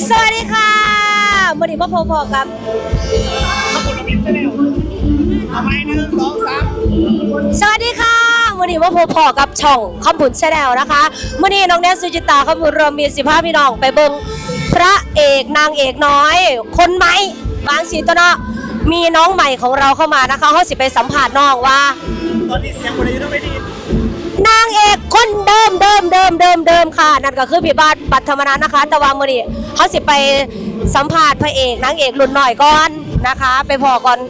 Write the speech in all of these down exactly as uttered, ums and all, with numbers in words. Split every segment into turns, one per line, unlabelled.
สวัสดีค่ะมื่อนี้พ่อพอๆครับ
ขอบคุณระบินใช่ไหมเอาไปหนึ่งสองสาม
สวัสดีค่ะมื่อนี้พ่อพอๆกับช่องคำบุญแชนแนลนะคะมื่อนี้น้องแนนสุจิตาคำบุญรวมมีสิบห้าพี่น้องไปเบิ่งพระเอกนางเอกน้อยคนใหม่บางสีตัวเนาะมีน้องใหม่ของเราเข้ามานะคะเขาสิไปสัมผัสน้องว่า
ตอนนี้เสียงคนอายุเท่าไหร่ดี
นางเอกคนเดิมเดิมเดิมเดิมเดิมค่ะนั่นก็คือพี่บาทปัทมนันนะคะแต่ว่ามื่อนี้เขาสิไปสัมผัสพระเอกนางเอกรุ่นหน่อยก่อนนะคะไปพอก่อน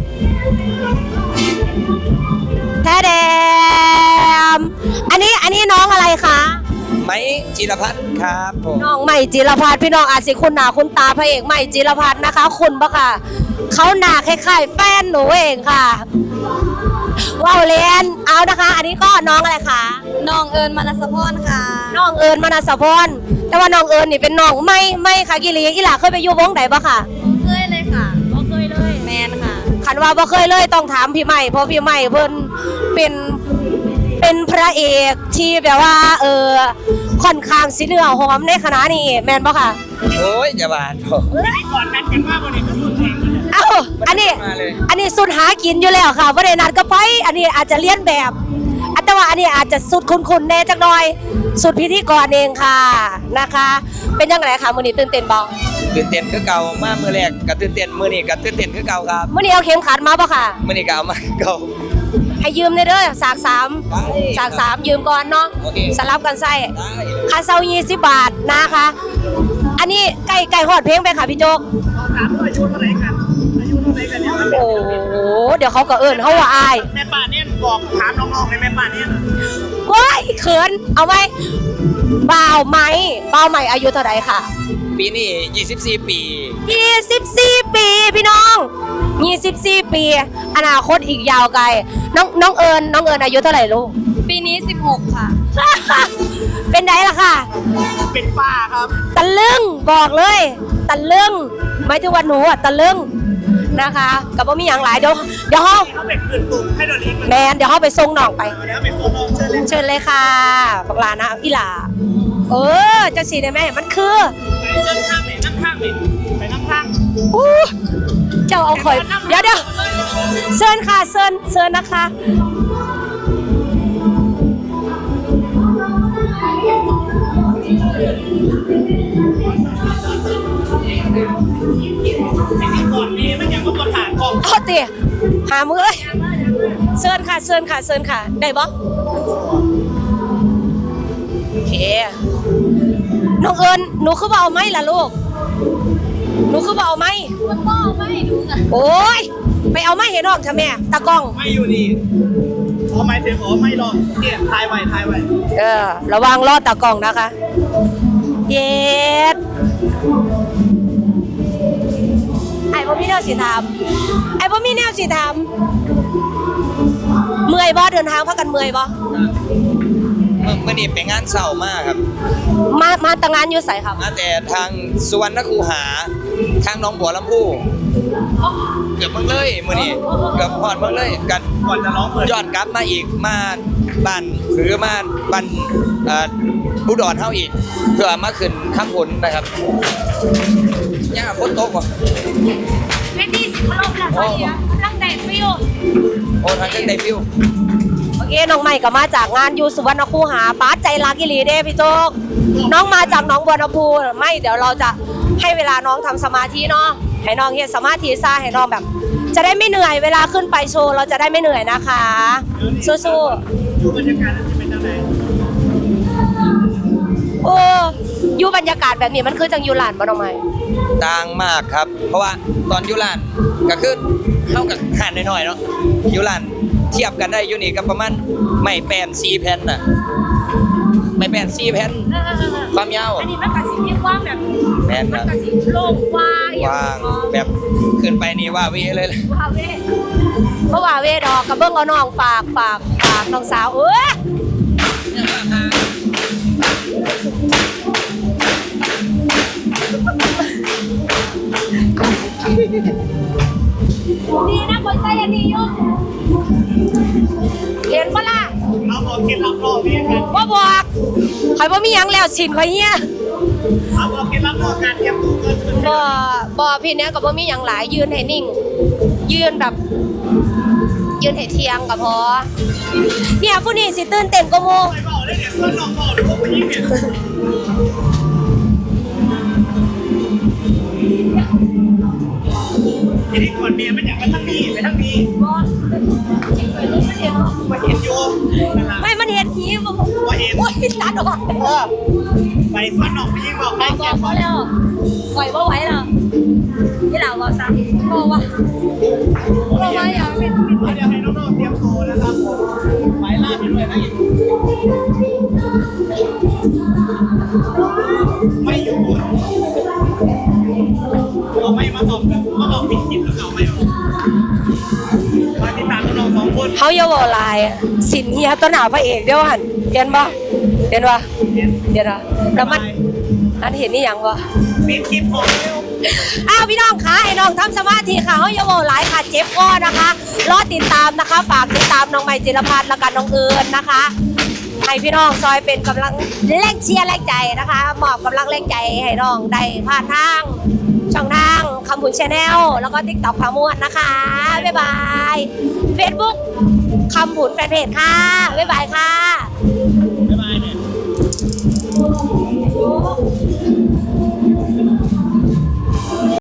แท้แดมอันนี้อันนี้น้องอะไรคะ
ไม้จิรพัฒน์ครับผม
น้องใหม่จิรพัฒน์พี่น้องอาจสิคุณหนาคุณตาพระเอกใหม่จิรพัฒน์นะคะคุณปะค่ะเขาหนาคล้ายๆแฟนหนูเองค่ะว้าวเลนเอานะคะอันนี้ก็น้องอะไรคะ
น้องเอิญมนัสพรค่ะ
น้องเอิญมนัสพรแต่ว่าน้องเอิญนี่เป็นน้องไม่ไม่ค่ะกิริอีหล่าเคยไปอยู่วงไหนปะค่ะ
เคยเลยค่ะ
บ่เคยเลย
แมนค่ะ
ขันว่าบ่เคยเลยต้องถามพี่ใหม่เพราะพี่ใหม่เพิ่นเป็นเป็นพระเอกที่แบบว่าเออค่อนข้างสิเนื้อหอมในคณะนี้แมนปะค่ะ
โอ้ยอย่าบานโ
อ้ยก่อนนัดกันมากกว่านี้ก็สุดแรง
เอ้าอันนี้อันนี้สุดหากินอยู่แล้วค่ะบ่ได้นัดก็ไปอันนี้อาจจะเลียนแบบแต่ว่าอันนี้อาจจะสุดคุ้นๆแน่จักหน่อยสุดพิธีกรเองค่ะนะคะเป็นยังไงคะมื้อนี้ตื่นเต้นบ่
ตื่นเต้นคือเก่ามามื้อแรกก็ตื่นเต้นมื้อนี้ก็ตื่นเต้นคือเก่าครับ
มื้อนี้เอาเข็มขัดมาบ่ค่ะ
มื้อนี้ก็เอามาเก่า
ให้ยืมได้เด้อสากสามสากสามยืมก่อนเนาะสลับกันใส่ค่าเช่ายี่สิบบาทนะคะอันนี้ไก่ไก่ฮอดเพลงไปค่ะพี่โจ๊ก
ถามว่าอายุเท่าไหร่กันอายุเท่าไหร่กันเนี่ย
โอ้โหเดี๋ยวเขาก็เอิ้นเขาว่าอาย
แม่ป้าเนี่ยบอกถามน้องๆในแม่ป้าเนี่ย
ว้ายเขินเอาไว้บ่าวไหมบ่าวใหม่อายุเท่าไหร่ค่ะ
ปีนี้ยี่สิบสี่ปี
ยี่สิบสี่ปีพี่น้องยี่สิบสี่ปีอนาคตอีกยาวไกลน้องน้องเอิญน้องเอิญอายุเท่าไหร่ลูก
ปีนี้สิบหกค่ะ
เป็นไงล่ะค่ะ
เป็นป้าครับ
ตะลึงบอกเลยตะลึงไม่ถึงวันหนูอ่ะตะลึงนะคะกับว่ามีอย่างหลายเดี๋ยวเดี๋ยวเขา
เขาเป็นคืนตุ่มให้เราเลี้ยง
แมนเดี๋ยวเขาไปส่งน้องไป
เดี๋ยวไปส่งน้องเชิญเลย
เชิญเลยค่ะบักลานะอีหล่าเออจะสีได้ไหมมันคือ
ไปนั่งข้างไหนนั่งข้างไหนไปนั่งข้าง
อู้เจ้าเอาข่อยเดี๋ยวเดี๋ยวเชิญค่ะเชิญเชิญนะคะ
ก่อนนี้มันอย่างว่าประธานกอง
เอาเตี๋ยหามือเลยเชิญค่ะเชิญค่ะเชิญค่ะได้บ่โอเคน้องเอิญหนูคือบ่เอาไม้ล่ะลูกหนูคือบ่เอาไม้
มันก็เอาไม่ดูนะ
โอ้ยไปเอาไม้เห็นออกเถอะแม่ตากล้อง
ไม่อยู่นี่ขอไม้เถอะขอไม้รอเนี่ยทายไว้ทายไว้
เออระวังรอดตากล้องนะคะเย็ดไอ้พ่อมีแนวสีทำไอ้พ่อมีแนวสีทำเมื่อยบ่เดินทางพักกันเมื่อยบ่
เมื่อนี้ไปงานเศร้ามากครับ
มามาตั้งงานอยู่ไสครับ
มาแต่ทางสุวรรณคูหาทางหนองบัวลำพูเกือบเมืองเลยมื่อนี้เกือบพอดเมืองเลยกัน
ก่อนจะร้องเปิด
ย้อนกลับมาอีกมาบ้านหรือมาบ้านอุดรเฮาอีกเพื่อมาขึ้นข้ามผลนะครับย่าฝนตกว่ะ
เวทีสิบลมแล้วค่ะเนี่ยกำลังได้ฟิว
โอ้ทางเจ้าได้ฟิว
โอเคน้องใหม่ก็มาจากงานอยู่สุวรรณคูหาป้าใจรักอีหลีเด้พี่โจ๊กน้องมาจากหนองบัวลำพูไม่เดี๋ยวเราจะให้เวลาน้องทำสมาธิเนาะให้น้องเฮ็ดสมาธิซะให้น้องแบบจะได้ไม่เหนื่อยเวลาขึ้นไปโชว์เราจะได้ไม่เหนื่อยนะคะสู้ๆ
ดูบรรยากาศจะเป็นยังไง
โอ้อยู่บรรยากาศแบบนี้มันคือจังอยู่ลานบ่น้องใหม่
ต่างมากครับเพราะว่าตอนอยู่ลานก็คือเท่ากับห่านน้อยๆเนาะอยู่ลานเทียบกันได้อยู่นี่ก็ประมาณไม่แปนสี่แผ่นน่ะไม่แปนสี่แผ่นความยาว
อันนี้มันกระสีกว้างแบบ
แผ่น
มันกระสีโล่งกว้าง
กว้างแบบขึ้นไปนี่ว่าเวเลย
ว่าเวเพราะว่าเวดอกกระเบื้องเอาน้องฝากฝากฝากน้องสาวเอ้ยดีนะคนใส่อันนี้ยุ่งเห็นปะล่ะ
เราบอกกินรับรองนี่กัน
ว่าบอกใครว่ามียังแล้วสินใครเงี้ย
เอาบอกเคล็ดลับเรื่องการเตรียมตัวเกินขึ้น
บ่บ่พี่เนี้ยก็บ่มีหยังหลายยืนให้นิ่ง ยืนแบบ ยืนให้เที่ยงก็พอเนี่ยผู้นี้สิตื่นเต้นกว่าหมู่
ไปบอกเลยเนี่ยส่วนน้องบอกหรือว่าผู้หญิงเนี่ยทีนี้ก่อนเมียมันอยากมาทั้งนี้ไปทั้งนี้มาเห็นโยมนั่นแหละ
ไม่มันเห็นผีบ่
ว่าเห็น
โอ้ยตัดออก
เออไปส่วนน้องผู้หญิงบอกใคร
บ
เก็
อบ กเขาแล้วไหวบ่ไหวแล้วที่หลังบอกซ้ำบอกว่าบอกว่าอย่าเป็น
เดี๋ยวให้น้องๆเตรียมตัวนะครับผมไปล่าไปด้วยนะไม่อยู่เราไม่มาตอบกันมาบอกปิดคลิปแล้วเอาไม่มาติดตามน้องๆสองคน
เขาอย่าเว้าหลายสินเฮียต้นหน้าพระเอกเด้อหั่นเห็นบ่เห็นบ่
เห็น
เห็นบ่แล้วมันอันเห็นนี่หยังบ่
ปิดคลิปผมเร็ว
อ้าวพี่น้องคะไอ้น้องทำสมาธิค่ะเขาอย่าเว้าหลายค่ะเจ็บคอนะคะรอติดตามนะคะฝากติดตามน้องใหม่จิรพัฒน์และกันน้องเอิญนะคะให้พี่น้องซอยเป็นกำลังแรงเชียร์แรงใจนะคะมอบกำลังแรงใจให้น้องได้ผ่านทางช่องทางคำผุนชาแนลแล้วก็ติ๊กต็อกพามวดนะคะบ๊ายบายเฟซบุ๊กคำผุนแฟนเพจค่ะบ๊ายบายค่ะ